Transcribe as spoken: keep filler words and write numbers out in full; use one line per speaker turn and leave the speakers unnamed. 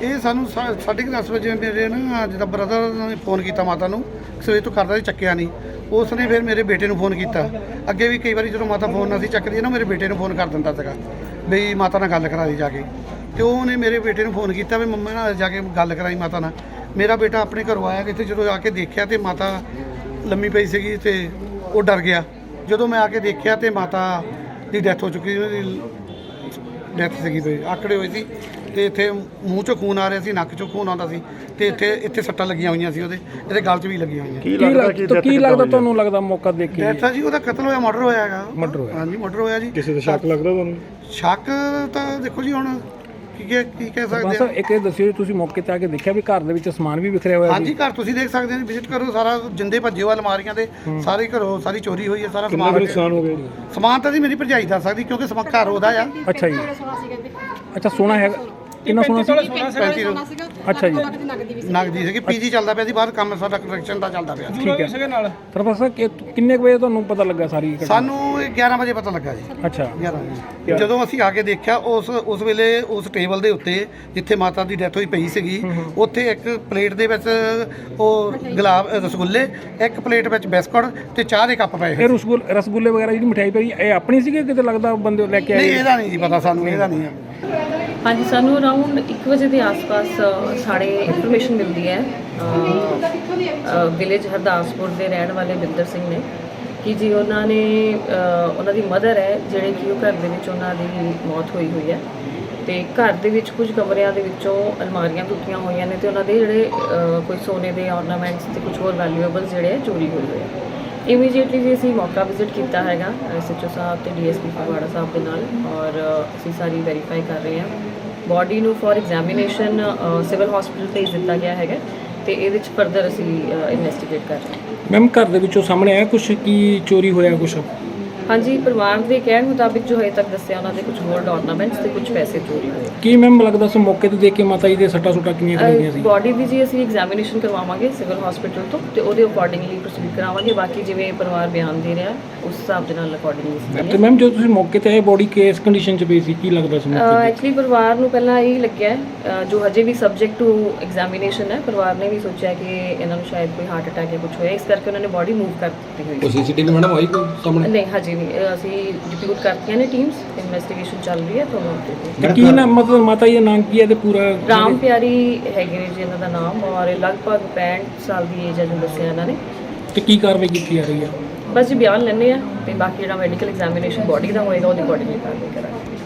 ਇਹ ਸਾਨੂੰ ਸਾ- ਸਾਢੇ ਕੁ ਦਸ ਵਜੇ ਮੇਰੇ ਨਾ ਜਿੱਦਾਂ ਬ੍ਰਦਰ ਨੇ ਫੋਨ ਕੀਤਾ ਮਾਤਾ ਨੂੰ, ਸਵੇਰ ਤੋਂ ਕਰਦਾ ਸੀ, ਚੱਕਿਆ ਨਹੀਂ। ਉਸ ਨੇ ਫਿਰ ਮੇਰੇ ਬੇਟੇ ਨੂੰ ਫੋਨ ਕੀਤਾ। ਅੱਗੇ ਵੀ ਕਈ ਵਾਰੀ ਜਦੋਂ ਮਾਤਾ ਫੋਨ ਨਾ ਸੀ ਚੱਕਦੀ ਨਾ, ਮੇਰੇ ਬੇਟੇ ਨੂੰ ਫੋਨ ਕਰ ਦਿੰਦਾ ਸੀਗਾ ਬਈ ਮਾਤਾ ਨਾਲ ਗੱਲ ਕਰਾ ਦੀ ਜਾ ਕੇ। ਅਤੇ ਉਹਨੇ ਮੇਰੇ ਬੇਟੇ ਨੂੰ ਫੋਨ ਕੀਤਾ ਵੀ ਮੰਮਾ ਨਾਲ ਜਾ ਕੇ ਗੱਲ ਕਰਾਈ ਮਾਤਾ ਨਾਲ। ਮੇਰਾ ਬੇਟਾ ਆਪਣੇ ਘਰੋਂ ਆਇਆ ਕਿਤੇ, ਜਦੋਂ ਆ ਕੇ ਦੇਖਿਆ ਤੇ ਮਾਤਾ ਲੰਮੀ ਪਈ ਸੀਗੀ ਤੇ ਉਹ ਡਰ ਗਿਆ। ਜਦੋਂ ਮੈਂ ਆ ਕੇ ਦੇਖਿਆ ਤੇ ਮਾਤਾ ਦੀ ਡੈਥ ਹੋ ਚੁੱਕੀ, ਉਹਦੀ ਡੈਥ ਸੀਗੀ ਪਈ, ਆਕੜੇ ਹੋਏ ਸੀ ਤੇ ਇੱਥੇ ਮੂੰਹ ਚੋਂ ਖੂਨ ਆ ਰਿਹਾ ਸੀ, ਨੱਕ ਚੋਂ ਖੂਨ ਆਉਂਦਾ ਸੀ ਤੇ ਇੱਥੇ ਇੱਥੇ ਸੱਟਾਂ ਲੱਗੀਆਂ ਹੋਈਆਂ ਸੀ, ਉਹਦੇ ਇਹਦੇ ਗਲ 'ਚ ਵੀ ਲੱਗੀਆਂ ਹੋਈਆਂ।
ਕੀ ਲੱਗਦਾ ਕੀ ਲੱਗਦਾ ਤੁਹਾਨੂੰ ਲੱਗਦਾ ਮੌਕਾ ਦੇਖ ਕੇ
ਡੈਥ ਆ ਜੀ, ਉਹਦਾ ਕਤਲ ਹੋਇਆ, ਮਰਡਰ ਹੋਇਆ ਹੈਗਾ।
ਮਰਡਰ ਹੋਇਆ?
ਹਾਂਜੀ ਮਰਡਰ ਹੋਇਆ ਜੀ।
ਕਿਸੇ ਦਾ ਸ਼ੱਕ ਲੱਗਦਾ ਤੁਹਾਨੂੰ?
ਸ਼ੱਕ ਤਾਂ ਦੇਖੋ ਜੀ ਹੁਣ ਕੀ ਕਹਿ ਕੀ ਕਹਿ ਸਕਦੇ
ਬਸ ਇੱਕ ਇਹ ਦੱਸਿਓ ਤੁਸੀਂ ਮੌਕੇ ਤੇ ਆ ਕੇ ਦੇਖਿਆ ਵੀ ਘਰ ਦੇ ਵਿੱਚ ਸਮਾਨ ਵੀ ਵਿਖਰਿਆ ਹੋਇਆ?
ਹਾਂਜੀ ਘਰ ਤੁਸੀਂ ਦੇਖ ਸਕਦੇ ਹੋ, ਵਿਜ਼ਿਟ ਕਰੋ, ਸਾਰਾ ਜਿੰਦੇ ਭੱਜੇ ਹੋਏ ਅਲਮਾਰੀਆਂ ਦੇ ਸਾਰੇ ਘਰੋਂ ਸਾਰੀ ਚੋਰੀ ਹੋਈ ਹੈ, ਸਾਰਾ ਸਮਾਨ
ਨੁਕਸਾਨ ਹੋ ਗਿਆ?
ਸਮਾਨ ਤਾਂ ਜੀ ਮੇਰੀ ਭਰਜਾਈ ਦੱਸ ਸਕਦੀ ਕਿਉਂਕਿ ਸਮਾਨ ਘਰ ਉਹਦਾ ਆ।
ਅੱਛਾ ਜੀ, ਅੱਛਾ ਸੋਨਾ ਹੈਗਾ? ਕਿੰਨਾ ਸੋਨਾ ਸੀ?
ਪੈਂਤੀ
ਅੱਛਾ ਜੀ,
ਨਗਦੀ ਸੀਗੀ, ਪੀਜੀ ਚੱਲਦਾ ਪਿਆ ਸੀ ਬਾਹਰ, ਕੰਮ ਸਾਡਾ ਕੰਸਟਰਕਸ਼ਨ ਦਾ ਚੱਲਦਾ ਪਿਆ।
ਠੀਕ ਹੈ। ਪ੍ਰੋਫੈਸਰ ਕਿੰਨੇ ਕੁ ਵਜੇ ਤੁਹਾਨੂੰ ਪਤਾ ਲੱਗਾ ਸਾਰੀ ਘਟਨਾ?
ਸਾਨੂੰ ਗਿਆਰਾਂ ਵਜੇ ਪਤਾ ਲੱਗਾ ਜੀ।
ਅੱਛਾ
ਗਿਆਰਾਂ ਵਜੇ ਜਦੋਂ ਅਸੀਂ ਆ ਕੇ ਦੇਖਿਆ, ਉਸ ਉਸ ਵੇਲੇ ਉਸ ਟੇਬਲ ਦੇ ਉੱਤੇ ਜਿੱਥੇ ਮਾਤਾ ਦੀ ਡੈਥ ਹੋਈ ਪਈ ਸੀਗੀ, ਉੱਥੇ ਇੱਕ ਪਲੇਟ ਦੇ ਵਿੱਚ ਉਹ ਗੁਲਾਬ ਰਸਗੁੱਲੇ, ਇੱਕ ਪਲੇਟ ਵਿੱਚ ਬਿਸਕੁਟ ਤੇ ਚਾਹ ਦੇ ਕੱਪ ਪਏ।
ਇਹ ਰਸਗੁੱਲੇ ਰਸਗੁੱਲੇ ਵਗੈਰਾ ਜਿਹੜੀ ਮਠਿਆਈ ਪਈ ਇਹ ਆਪਣੀ ਸੀਗੀ ਕਿਤੇ ਲੱਗਦਾ ਬੰਦੇ ਲੈ ਕੇ ਆਏ?
ਨਹੀਂ ਇਹਦਾ ਨਹੀਂ ਜੀ ਪਤਾ ਸਾਨੂੰ, ਇਹਦਾ ਨਹੀਂ ਹੈ।
ਹਾਂਜੀ, ਸਾਨੂੰ ਅਰਾਊਂਡ ਇੱਕ ਵਜੇ ਦੇ ਆਸ-ਪਾਸ ਸਾਡੇ ਇਨਫੋਰਮੇਸ਼ਨ ਮਿਲਦੀ ਹੈ ਵਿਲੇਜ ਹਰਦਾਸਪੁਰ ਦੇ ਰਹਿਣ ਵਾਲੇ ਬਿੰਦਰ ਸਿੰਘ ਨੇ ਕਿ ਜੀ ਉਹਨਾਂ ਨੇ ਉਹਨਾਂ ਦੀ ਮਦਰ ਹੈ ਜਿਹੜੇ ਕਿ ਉਹ ਘਰ ਦੇ ਵਿੱਚ ਉਹਨਾਂ ਦੀ ਮੌਤ ਹੋਈ ਹੋਈ ਹੈ ਤੇ ਘਰ ਦੇ ਵਿੱਚ ਕੁਝ ਕਮਰਿਆਂ ਦੇ ਵਿੱਚੋਂ ਅਲਮਾਰੀਆਂ ਟੁੱਟੀਆਂ ਹੋਈਆਂ ਨੇ ਤੇ ਉਹਨਾਂ ਦੇ ਜਿਹੜੇ ਕੋਈ ਸੋਨੇ ਦੇ ਆਰਨਾਮੈਂਟਸ ਤੇ ਕੁਝ ਹੋਰ ਵੈਲਿਊਏਬਲਸ ਜਿਹੜੇ ਚੋਰੀ ਹੋਏ ਹੋਏ ਆ। ਇਮੀਡੀਏਟਲੀ ਜੀ ਅਸੀਂ ਮੌਕਾ ਵਿਜ਼ਿਟ ਕੀਤਾ ਹੈਗਾ ਐਸਐਚਓ ਸਾਹਿਬ ਤੇ ਡੀਐਸਪੀ ਫਗਵਾੜਾ ਸਾਹਿਬ ਦੇ ਨਾਲ, ਔਰ ਅਸੀਂ ਸਾਰੀ ਵੈਰੀਫਾਈ ਕਰ ਰਹੇ ਹਾਂ। ਬੋਡੀ ਨੂੰ ਫॉर ਐਗਜ਼ਾਮੀਨੇਸ਼ਨ ਸਿਵਲ ਹਸਪੀਟਲ ਭੇਜ ਦਿੱਤਾ ਗਿਆ ਹੈਗਾ ਤੇ ਇਹਦੇ ਵਿੱਚ ਫਰਦਰ ਅਸੀਂ ਇਨਵੈਸਟੀਗੇਟ ਕਰ ਰਹੇ ਹਾਂ।
ਮੈਮ ਘਰ ਦੇ ਵਿੱਚੋਂ ਸਾਹਮਣੇ ਆਇਆ ਕੁਝ ਕੀ ਚੋਰੀ ਹੋਇਆ ਕੁਝ?
ਹਾਂਜੀ, ਪਰਿਵਾਰ ਦੇ ਕਹਿਣ ਮੁਤਾਬਿਕ ਜੋ ਹਜੇ ਤੱਕ ਦੱਸਿਆ ਉਹਨਾਂ ਦੇ ਕੁਝ ਗੋਲਡ ਆਰਨਾਮੈਂਟਸ ਤੇ ਕੁਝ ਪੈਸੇ ਚੋਰੀ ਹੋਏ।
ਕੀ ਮੈਮ ਲੱਗਦਾ ਸੀ ਮੌਕੇ ਤੇ ਦੇਖ ਕੇ ਮਾਤਾ ਜੀ ਦੇ ਸੱਟਾਂ ਸੁੱਟਾਂ ਕਿੰਨੀਆਂ ਲੱਗੀਆਂ ਸੀ?
ਬੋਡੀ ਦੀ ਜੀ ਅਸੀਂ ਐਗਜ਼ਾਮੀਨੇਸ਼ਨ ਕਰਵਾਵਾਂਗੇ ਸਿਵਲ ਹਸਪੀਟਲ ਤੋਂ ਤੇ ਉਹਦੇ ਅਕੋਰਡਿੰਗਲੀ ਪ੍ਰੋਸੀਡ ਕਰਾਵਾਂਗੇ। ਬਾਕੀ ਜਿਵੇਂ ਪਰਿਵਾਰ ਬਿਆਨ ਦੇ ਰਿਹਾ ਉਸ ਹਿਸਾਬ ਦੇ ਨਾਲ ਅਕੋਰਡਿੰਗਲੀ।
ਤੇ ਮੈਮ ਜਦੋਂ ਤੁਸੀਂ ਮੌਕੇ ਤੇ ਆਏ ਬੋਡੀ ਕਿਸ ਕੰਡੀਸ਼ਨ 'ਚ ਪਈ ਸੀ, ਕੀ ਲੱਗਦਾ ਸੀ ਮੌਕੇ ਤੇ?
ਐਕਚੁਅਲੀ ਪਰਿਵਾਰ ਨੂੰ ਪਹਿਲਾਂ ਇਹ ਲੱਗਿਆ ਜੋ ਹਜੇ ਵੀ ਸਬਜੈਕਟ ਟੂ ਐਗਜ਼ਾਮੀਨੇਸ਼ਨ ਹੈ, ਪਰਿਵਾਰ ਨੇ ਵੀ ਸੋਚਿਆ ਕਿ ਇਹਨਾਂ ਨੂੰ ਸ਼ਾਇਦ ਕੋਈ ਹਾਰਟ ਅਟੈਕ ਜਾਂ ਕੁਝ ਹੋਇਆ, ਇਸ ਕਰਕੇ ਉਹਨਾਂ ਨੇ ਬੋਡੀ ਮੂਵ ਕਰ ਦਿੱਤੀ ਹੋਈ।
ਕੋਈ ਸੀਸੀਟੀਵੀ ਮੈਡਮ ਆਈ ਕੋਈ ਸਾਹਮਣੇ?
ਨਹੀਂ ਹਜੇ ਨਹੀਂ, ਅਸੀਂ ਡਿਪਿਊਟ ਕਰਤੀਆਂ ਨੇ ਟੀਮਸ, ਇਨਵੈਸਟੀਗੇਸ਼ਨ ਚੱਲ ਰਹੀ ਹੈ ਤੁਹਾਨੂੰ।
ਤੇ ਕੀ ਨਾ ਮਤਲਬ ਮਾਤਾ ਜੀ ਦਾ ਨਾਮ ਕੀ ਹੈ ਤੇ ਪੂਰਾ?
ਰਾਮ ਪਿਆਰੀ ਹੈਗੇ ਨੇ ਜੀ ਇਹਨਾਂ ਦਾ ਨਾਮ, ਔਰ ਇਹ ਲਗਭਗ ਪੈਂਹਠ ਸਾਲ ਦੀ ਏਜ ਹੈ ਜੋ ਦੱਸਿਆ ਇਹਨਾਂ ਨੇ।
ਤੇ ਕੀ ਕਾਰਵਾਈ ਕੀਤੀ ਜਾ ਰਹੀ ਹੈ?
ਬਸ ਜੀ ਬਿਆਨ ਲੈਣੇ ਆ ਤੇ ਬਾਕੀ ਜਿਹੜਾ ਮੈਡੀਕਲ ਐਗਜ਼ਾਮੀਨੇਸ਼ਨ ਬੋਡੀ ਦਾ ਹੋਏਗਾ ਉਹਦੇ ਅਕੋਰਡਿੰਗਲੀ ਕਾਰਵਾਈ ਕਰਾਂਗੇ।